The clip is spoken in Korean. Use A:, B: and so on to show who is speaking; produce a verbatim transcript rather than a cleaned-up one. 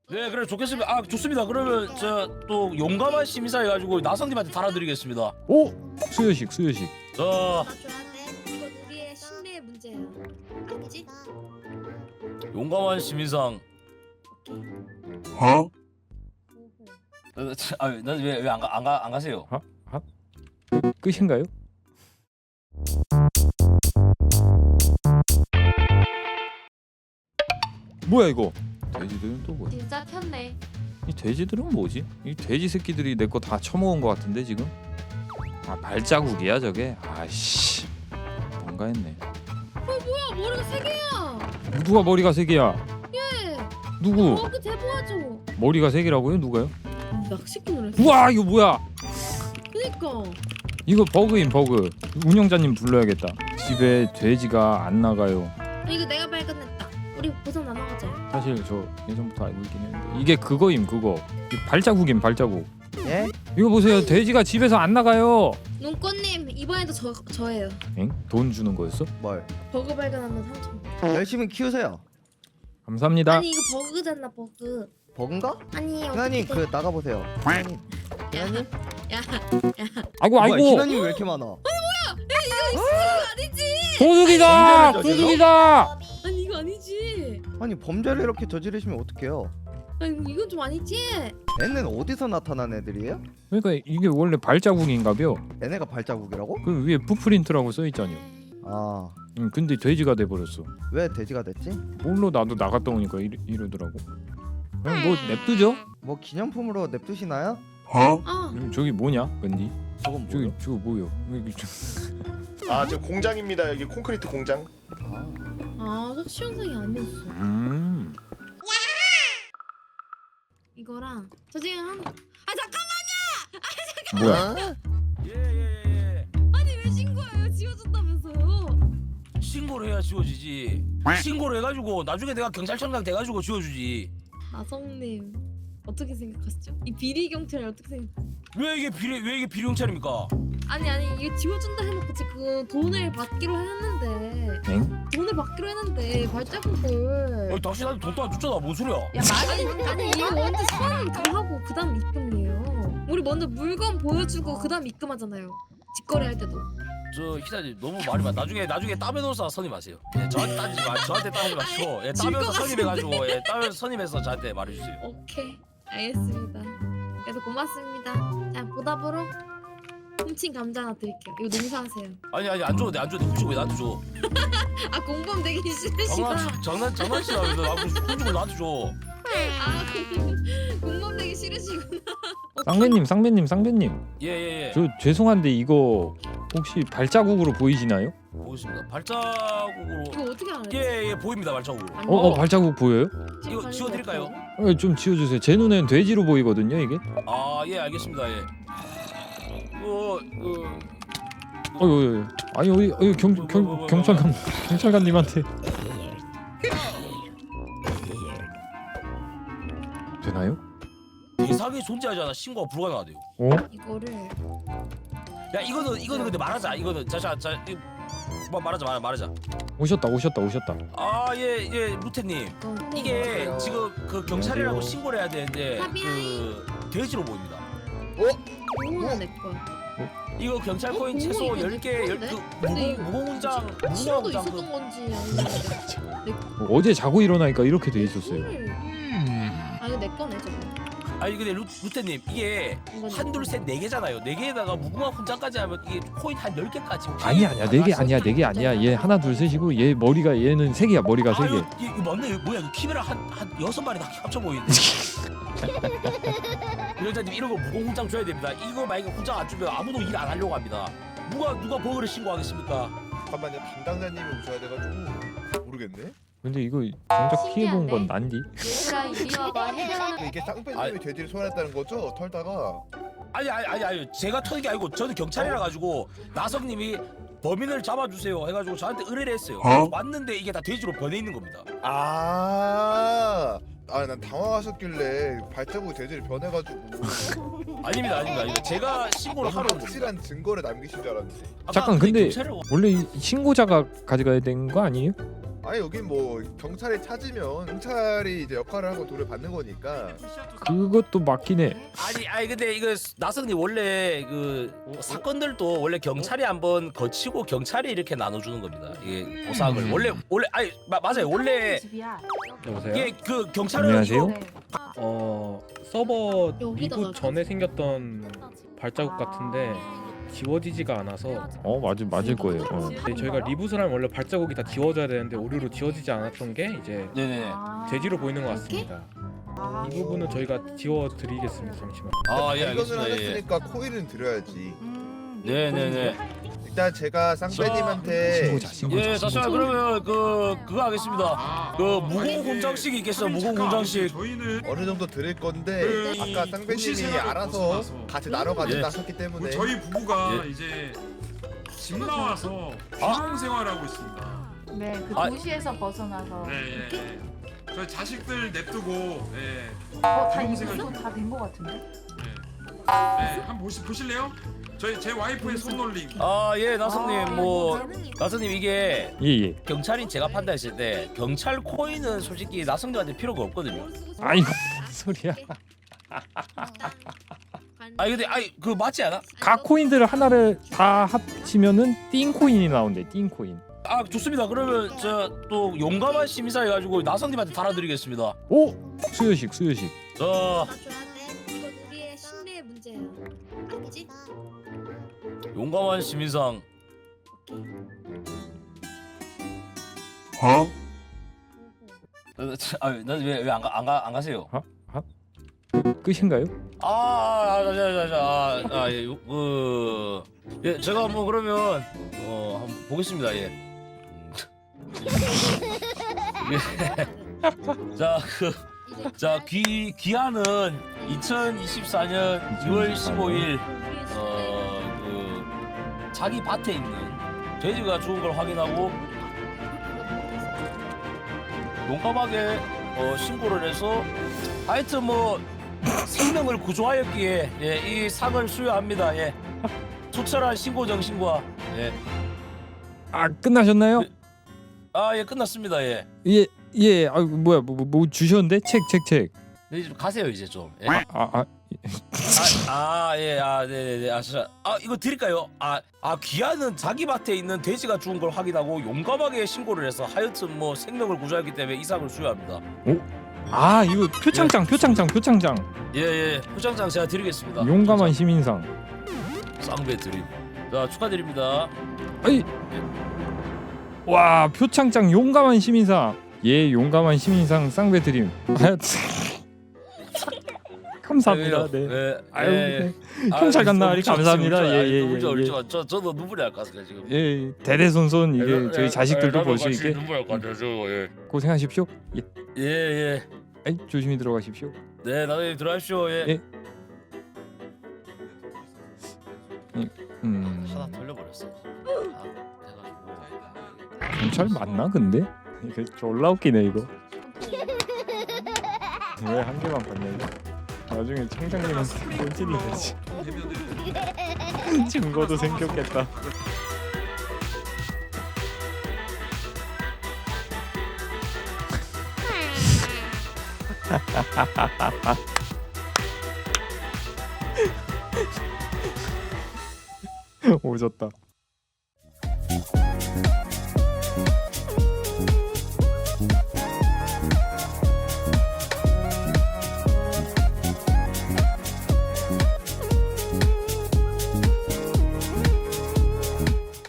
A: 네, 그래 좋겠습니다. 아, 좋습니다. 그러면 저 또 용감한 시민사 해가지고 나성님한테 달아드리겠습니다.
B: 오! 수요식 수요식.
A: 저
C: 아 좋아하네. 이건 우리의 신뢰의 문제야. 아니지?
A: 용감한 시민상.
D: 어?
A: 어, 저, 아, 난왜왜 안 가 안 가 안 가세요?
B: 아? 아? 끝인가요? 뭐야 이거? 돼지들은 또 뭐야?
E: 진짜 켰네.
B: 이 돼지들은 뭐지? 이 돼지 새끼들이 내 거 다 처먹은 거 같은데 지금? 아 발자국이야 저게? 아이씨 뭔가 했네.
C: 야 머리가 세 개야.
B: 누가 머리가 세 개야?
C: 예.
B: 누구?
C: 버그 대보아줘.
B: 머리가 세 개라고요? 누가요?
C: 낚시꾼 노래.
B: 우와 이거 뭐야?
C: 그니까.
B: 이거 버그인 버그. 운영자님 불러야겠다. 집에 돼지가 안 나가요.
C: 이거 내가 발견했다. 우리 보상 나눠가자.
B: 사실 저 예전부터 알고 있긴 했는데 이게 그거임 그거. 이 발자국임 발자국.
D: 예?
B: 이거 보세요 돼지가 집에서 안 나가요.
C: 눈꽃님 이번에도 저 저예요.
B: 엥? 돈 주는 거였어?
D: 뭘?
C: 버그 발견하면 삼천 원.
D: 열심히 키우세요.
B: 감사합니다.
C: 아니 이거 버그잖아 버그.
D: 버그인가?
C: 아니
D: 희나님
C: 어떻게
D: 그 나가 보세요. 희나님. 희나님?
C: 야
B: 아이고
D: 뭐야,
B: 아이고
D: 희나님 왜 이렇게 많아?
C: 아니지.
B: 도둑이다
A: 범죄를 저질러?
B: 도둑이다.
C: 아니 이거 아니지.
D: 아니 범죄를 이렇게 저지르시면 어떡해요?
C: 아니 이건 좀 아니지.
D: 얘는 어디서 나타난 애들이에요?
B: 그러니까 이게 원래 발자국인가벼.
D: 얘네가 발자국이라고?
B: 그 위에 푸프린트라고 써 있잖아요.
D: 아,
B: 응, 근데 돼지가 돼 버렸어.
D: 왜 돼지가 됐지?
B: 뭘로 나도 나갔다 오니까 이러, 이러더라고. 그냥 뭐 냅두죠?
D: 뭐 기념품으로 냅두시나요?
C: 아
B: 음, 저기 뭐냐, 웬디?
D: 저건
B: 저기
D: 뭐요?
B: 저거 뭐요? 여기 저-
F: 아, 저 공장입니다. 여기 콘크리트 공장.
D: 아,
C: 아, 저 시원상이 아니었어.
B: 음.
C: 이거랑 저 지금 한. 아 잠깐.
B: 뭐야?
A: 예예예.
C: 아니 왜 신고해요? 지워준다면서요?
A: 신고를 해야 지워지지. 신고를 해가지고 나중에 내가 경찰청장 돼가지고 지워주지.
C: 나성님 어떻게 생각하시죠? 이 비리 경찰이 어떻게 생각?
A: 왜 이게 비리 왜 이게 비리경찰입니까?
C: 아니 아니 이거 지워준다 해놓고 지금 돈을 받기로 했는데
B: 엥?
C: 돈을 받기로 했는데 발자국을.
A: 어, 당신한테 돈도 안 줬잖아. 뭔 소리야?
C: 야 말이 아니 이거 먼저 수환 다 하고 그다음 입금이에요. 우리 먼저 물건 보여주고 그다음 입금하잖아요. 직거래 할 때도.
A: 저 희사님 너무 말이 많아. 나중에 나중에 따면서 선임하세요. 예, 저한테 따지지 마. 저한테 따지지 마시고 예,
C: 질것
A: 따면서
C: 같은데.
A: 선임해가지고 예, 따면서 선임해서 저한테 말해주세요.
C: 오케이 알겠습니다. 그래서 고맙습니다. 자 보답으로 훔친 감자 하나 드릴게요. 이거 농사하세요.
A: 아니 아니 안 줘도 돼 안 줘도 돼. 훔치고 왜 나한테 줘?
C: 아 공범 되기 싫으시다.
A: 장난 장난 장난치나 왜 나하고 훔치고 나한테 줘?
C: 아 공범 되기 싫으시구나.
B: 쌍배님, 쌍배님, 쌍배님.
A: 예예예.
B: 저 죄송한데 이거 혹시 발자국으로 보이시나요?
A: 보겠습니다. 발자국으로.
C: 이거 어떻게 알아요?
A: 예예 보입니다 발자국으로.
C: 아니,
B: 어, 어 발자국 보여요?
C: 지금
A: 이거 지워드릴까요?
B: 어, 좀 지워주세요. 제 눈엔 돼지로 보이거든요 이게.
A: 아 예 알겠습니다 예. 어, 어,
B: 어, 어, 어. 아니 어디 어디 경, 경 경찰관 경찰관님한테 되나요?
A: 이상이 존재하지 않아 신고가 불가능하대요.
B: 어?
C: 이거를
A: 야 이거는 이거는 근데 말하자 이거는 자자자 뭐 말하자 말 말하자.
B: 오셨다 오셨다 오셨다.
A: 아예예 루테님
C: 이거
A: 이게
F: 맞아요.
A: 지금 그 경찰이라고
B: 안녕하세요.
A: 신고를 해야 되는데
C: 하비아이.
A: 그 돼지로 보입니다.
C: 공무원 내 거야.
A: 이거 경찰
C: 어,
A: 코인
C: 공무
A: 최소
C: 이거
A: 열 개
C: 내
A: 열
C: 건데?
A: 그
C: 근데
A: 무공 무공문장 무공문장
C: 싫어도
A: 그
C: 있었던 건지 아니면
B: 어, 어제 자고 일어나니까 이렇게 돼 있었어요.
C: 아 이거 내 거네 저거.
A: 아니 근데 루, 루테님 이게
C: 이건 내
A: 한둘
C: 거.
A: 셋 네 개잖아요. 네 개에다가 무궁화 훈장까지 하면 이게 코인 한 열 개까지.
B: 아니 아니야 네 개 아니야 네 개 아니야 얘 하나 둘 셋이고 얘 머리가 얘는 세 개야 머리가 세 개.
A: 아유, 이- 이거 맞네. 이거 뭐야? 이거 키메라 한한 여섯 마리 다 합쳐 보이는데. 위원장님 이런 거 무공 훈장 줘야 됩니다. 이거 만약에 훈장 안 주면 아무도 일 안 하려고 합니다. 누가 누가 버그를 신고하겠습니까?
F: 잠깐만요. 담당자님이 오셔야 돼가지고 모르겠네.
B: 근데 이거 정작 피해본 건
E: 신기한데?
B: 난디.
E: 얘들아 이리 와봐 해결하는.
F: 근데 이게 쌍배님이
A: 아이.
F: 돼지를 소환했다는 거죠? 털다가.
A: 아니 아니 아니 아니 제가 터는 게 아니고 저는 경찰이라 가지고 나성님이 범인을 잡아주세요 해가지고 저한테 의뢰를 했어요.
D: 어?
A: 왔는데 이게 다 돼지로 변해 있는 겁니다.
F: 아. 아, 난 당황하셨길래 발자국이 돼지를 변해가지고
A: 아닙니다 아닙니다 아닙니다. 제가 신고를 하러 온 겁니다.
F: 확실한 증거를 남기신 줄 알았는데.
A: 아까
B: 잠깐,
A: 그
B: 근데-
A: 경찰을-
B: 원래 이 신고자가 가져가야 되는 거 아니에요?
F: 아니 여긴 뭐 경찰이 찾으면 경찰이 이제 역할을 하고 돈을 받는 거니까.
B: 그것도 맞긴 해.
A: 아니 아니 근데 이거 나성님 원래 그 사건들도 원래 경찰이 한번 거치고 경찰이 이렇게 나눠주는 겁니다. 이게 보상을
B: 음.
A: 원래 원래 아니 마, 맞아요 원래
E: 집이야.
G: 여보세요?
A: 이게 그 경찰은
B: 안녕하세요.
A: 이거-
E: 네.
G: 어 서버
C: 여기다가
G: 리부 전에 생겼던 발자국 같은데 지워지지가 않아서
B: 어 맞을 맞을 거예요. 어.
G: 네, 저희가 리부트를 하면 원래 발자국이 다 지워져야 되는데 오류로 지워지지 않았던 게 이제
A: 네네네.
G: 제지로 보이는 것 같습니다. 이 부분은 저희가 지워드리겠습니다. 잠시만.
A: 아 예
F: 발견을
A: 알겠습니다. 예.
F: 하셨으니까 코일은 드려야지.
E: 음,
A: 네네네.
F: 일단 제가 쌍배님한테
B: 신고자 신고자.
A: 예,
B: 신고자.
A: 잠시만 그러면 그 그거 하겠습니다. 그 무공 훈장식 있겠어 무공 훈장식.
H: 저희는
F: 어느 정도 드릴 건데
H: 그
F: 아까
H: 이
F: 쌍배님이
H: 도시생활을
F: 알아서
H: 벗어나서
F: 같이 나눠 가진다
A: 예.
F: 하셨기 때문에
H: 뭐 저희 부부가
A: 예.
H: 이제 집 나와서
A: 아.
H: 귀농 생활하고 있습니다.
E: 네, 그
A: 아.
E: 도시에서 벗어나서
H: 네, 예, 예. 저희 자식들 냅두고 예,
E: 어, 다
H: 귀농
E: 이거
H: 생활-
E: 다된 거 같은데?
H: 예. 예, 한번 보시 보실래요? 저희 제 와이프의 손놀림.
A: 아 예 나성님 뭐 나성님 이게
B: 예예.
A: 경찰인 제가 판단했을 때 경찰 코인은 솔직히 나성님한테 필요가 없거든요.
B: 아이고 무슨 소리야.
A: 아니 근데 아니 그 맞지 않아?
B: 각 코인들을 하나를 다 합치면은 띵 코인이 나온대. 띵 코인.
A: 아 좋습니다. 그러면 저 또 용감한 시민사 해가지고 나성님한테 달아드리겠습니다.
B: 오 수요식 수요식.
A: 저
C: 이건 우리의 신뢰의 문제야. 알겠지?
A: 용감한 시민상.
H: 어?
A: 아난왜왜안 가 안 가 안 가세요?
B: 끝인가요?
A: 아아자자자아아예그 예, 제가 뭐 그러면 어 한번 보겠습니다. 예. 자그 자 귀 귀하는 이천이십사 년 이월 십오일 어 그 자기 밭에 있는 돼지가 죽은 걸 확인하고 용감하게 어, 신고를 해서 하여튼 뭐 생명을 구조하였기에 예, 이 상을 수여합니다. 예. 투철한 신고 정신과 예.
B: 아 끝나셨나요?
A: 아 예 끝났습니다. 예.
B: 예 예. 아 뭐야 뭐, 뭐 주셨는데 책 책 책.
A: 네, 이제 좀 가세요 이제 좀. 예.
B: 아 아.
A: 아, 아, 예, 아, 네네네. 아, 진짜. 아, 이거 드릴까요? 아, 아, 귀하는 자기 밭에 있는 돼지가 죽은 걸 확인하고 용감하게 신고를 해서 하여튼 뭐 생명을 구조했기 때문에 이상을 수여합니다.
B: 아 이거 표창장 표창장 표창장.
A: 예, 예. 표창장 제가 드리겠습니다.
B: 용감한 시민상.
A: 쌍배 드림. 자, 축하드립니다.
B: 아이. 와 표창장 용감한 시민상. 예 용감한 시민상 쌍배 드림. 감사합니다. 네.
A: 네.
B: 아유
A: 예.
B: 네.
A: 아,
B: 경찰 갔나
A: 울지
B: 감사합니다.
A: 마세요, 울지
B: 예예
A: 마. 울지 마,
B: 예.
A: 울지 마. 저 저도 눈물이 날 것 같아요 지금.
B: 예 대대손손 이게
A: 예,
B: 저희
A: 예,
B: 자식들도
A: 예,
B: 볼 수
A: 나도
B: 있게
A: 같이 눈물 날 것 같아요. 저 예.
B: 고생하십시오. 예.
A: 예, 예.
B: 아이, 조심히 들어가십시오.
A: 네, 나중에 들어가십시오. 예.
B: 예. 음
A: 하나 돌려버렸어. 아, 해가지고.
B: 경찰 맞나 근데? 이거 졸라 웃기네 이거. 왜 한 개만 봤냐 이거? 나중에 청장님한테 꼴찌려야지. 증거도 생겼겠다. 오졌다.